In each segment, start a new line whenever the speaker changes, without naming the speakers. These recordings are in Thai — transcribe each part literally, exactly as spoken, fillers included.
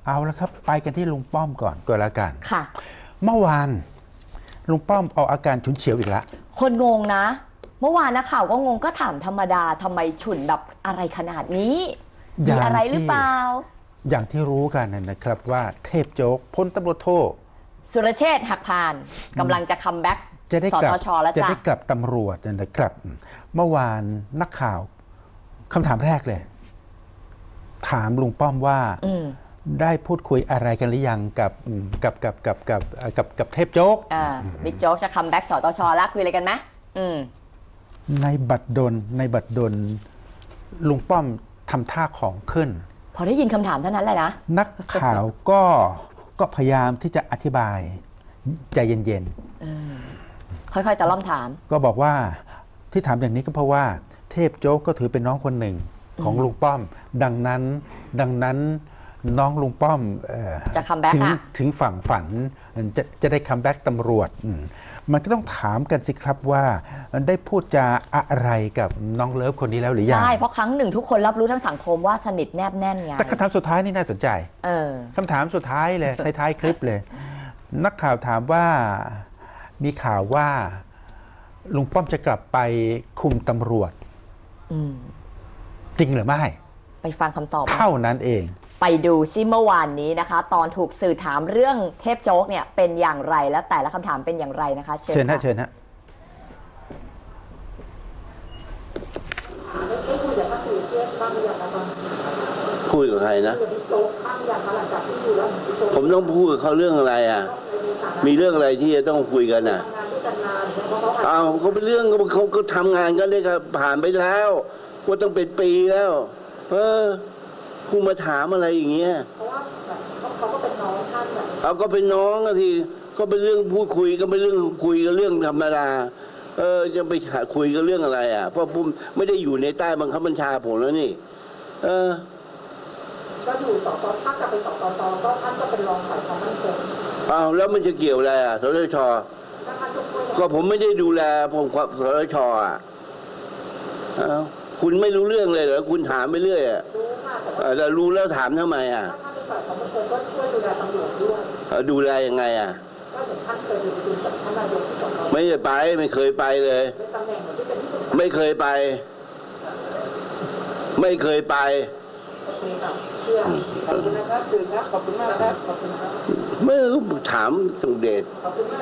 เอาละครับไปกันที่ลุงป้อมก่อนก็แล้วกัน
ค่ะ
เมื่อวานลุงป้อมเอาอาการฉุนเฉียวอีกแล้ว
คนงงนะเมื่อวานนักข่าวก็งงก็ถามธรรมดาทำไมฉุนแบบอะไรขนาดนี้มีอะไรหรือเปล่า
อย่างที่รู้กันนะครับว่าเทพโจ๊กพลตำรวจโท
สุรเชษฐ์หักพานกำลังจะคัมแบ็กสตชแล้วจ้ะ
จะได้กลับตำรวจนะครับเมื่อวานนักข่าวคำถามแรกเลยถามลุงป้อมว่าได้พูดคุยอะไรกันหรือยังกับกับกับกับกับกับกับเทพโจ๊ก
บิ๊กโจ๊กจะคัมแบ็กสตชแล้วคุยอะไรกันไหม
ในบัตรดลในบัตรดลลุงป้อมทำท่าของขึ้น
พอได้ยินคำถามเท่านั้นแหละนะ
นักข่าวก็ก็พยายามที่จะอธิบายใจเย็น
ๆค่อยๆตะล่อมถาม
ก็บอกว่าที่ถามอย่างนี้ก็เพราะว่าเทพโจ๊กก็ถือเป็นน้องคนหนึ่งของลุงป้อมดังนั้นดังนั้นน้องลุงป้อม
จะคัมแบ็กอะ
ถึงฝั่งฝันจะจะได้คัมแบ็กตำรวจมันก็ต้องถามกันสิครับว่าได้พูดจาอะไรกับน้องเลิฟคนนี้แล้วหรือยัง
ใช่เพราะครั้งหนึ่งทุกคนรับรู้ทั้งสังคมว่าสนิทแนบแน่นไง
แต่คำถามสุดท้ายนี่น่าสนใจคำถามสุดท้ายเลยท้ายๆคลิปเลยนักข่าวถามว่ามีข่าวว่าลุงป้อมจะกลับไปคุมตำรวจจริงหรือไม่
ไปฟังคำตอบ
เท่านั้นเอง
ไปดูซิเมื่อวานนี้นะคะตอนถูกสื่อถามเรื่องเทพโจ๊กเนี่ยเป็นอย่างไรและแต่ละคำถามเป็นอย่างไรนะคะ
เชิญฮะเชิญฮะ
คุยกับใครนะผมต้องพูดกับเขาเรื่องอะไรอ่ะมีเรื่องอะไรที่จะต้องคุยกันอ่ะอ้าวเขาเป็นเรื่องเขาก็ทำงานกันได้ครับผ่านไปแล้วว่าต้องเป็นปีแล้วเออคุณมาถามอะไรอย่างเงี้ยเพราะว่าเขาก็เป็นน้องท่านเอาก็เป็นน้องอะทีก็เป็นเรื่องพูดคุยก็เป็นเรื่องคุยกันเรื่องธรรมดาเออจะไปคุยกันเรื่องอะไรอ่ะเพราะผมไม่ได้อยู่ในใต้บังคับบัญชาผมแล้วนี่เออก็อยู่สตถ้ากลับไปสตชก็ท่านก็เป็นรองฝ่ายความมั่นคงอ้าวแล้วมันจะเกี่ยวอะไรอ่ะสตชก็ผมไม่ได้ดูแลผมสตชอ่ะอ้าวคุณไม่รู้เรื่องเลยเหรอคุณถามไปเรื่อยอ่ะแต่รู้แล้วถามทำไมอ่ะท่านเป็นฝ่ายความมั่นคงก็ช่วยดูแลตำรวจด้วยดูแลยังไงอ่ะก็เห็นท่านเคยไปประชุมกับท่านนายกที่สตชไม่ได้ไปไม่เคยไปเลยไม่เคยไปไม่เคยไปขอบคุณนะครับเชิญครับขอบคุณมากครับขอบคุณครับเมื่อถามสมเด็จขอบคุณมาก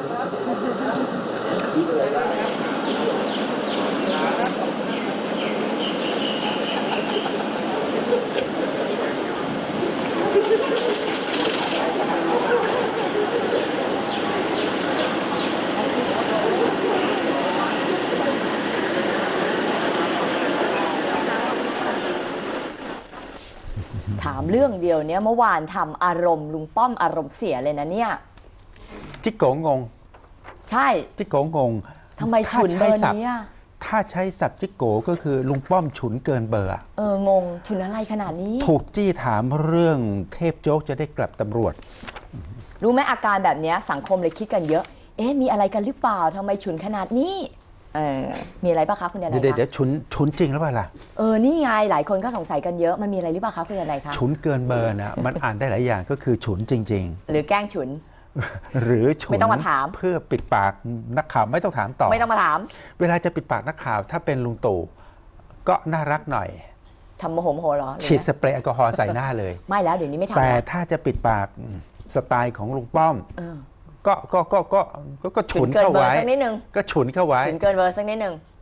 ครับ
ถามเรื่องเดียวเนี้ยเมื่อวานทำอารมณ์ลุงป้อมอารมณ์เสียเลยนะเนี่ย
จิกโกงง
ใช่
จิกโกงง
ทำไมฉุนเบอร์นี้อ่ะ
ถ้าใช้ศัพท์จิกโกก็คือลุงป้อมฉุนเกินเบอร์
เอองงฉุนอะไรขนาดนี้
ถูกจี้ถามเรื่องเทพโจ๊กจะได้กลับตำรวจ
รู้ไหมอาการแบบนี้สังคมเลยคิดกันเยอะเอ๊ะมีอะไรกันหรือเปล่าทำไมฉุนขนาดนี้เออมีอะไรป่ะคะคุณยานายคะ
เดี๋ยวเดี๋ยวฉุนฉุนจริงหรือเปล่าล่ะ
เออนี่ไงหลายคนก็สงสัยกันเยอะมันมีอะไรหรือเปล่าคะคุณยานายคะ
ฉุนเกินเบอร์นะมันอ่านได้หลายอย่างก็คือฉุนจริง
ๆหรือแกล้งฉุน
หรือฉุน
ไม่ต้องมาถาม
เพื่อปิดปากนักข่าวไม่ต้องถามต่อ
ไม่ต้องมาถาม
เวลาจะปิดปากนักข่าวถ้าเป็นลุงตู่ก็น่ารักหน่อย
ทำโมโหโมโหเหรอ
ฉีดสเปรย์แอลกอฮอล์ใส่หน้าเลย
ไม่แล้วเดี๋ยวนี้ไม่ทำ
แต่ถ้าจะปิดปากสไตล์ของลุงป้อมก็ก็ก็ก็ก็ฉุนเข้าไว้
สักนิดนึง
ก็ฉุนเข้าไว้
ฉุนเกินเบอร์สักนิดนึง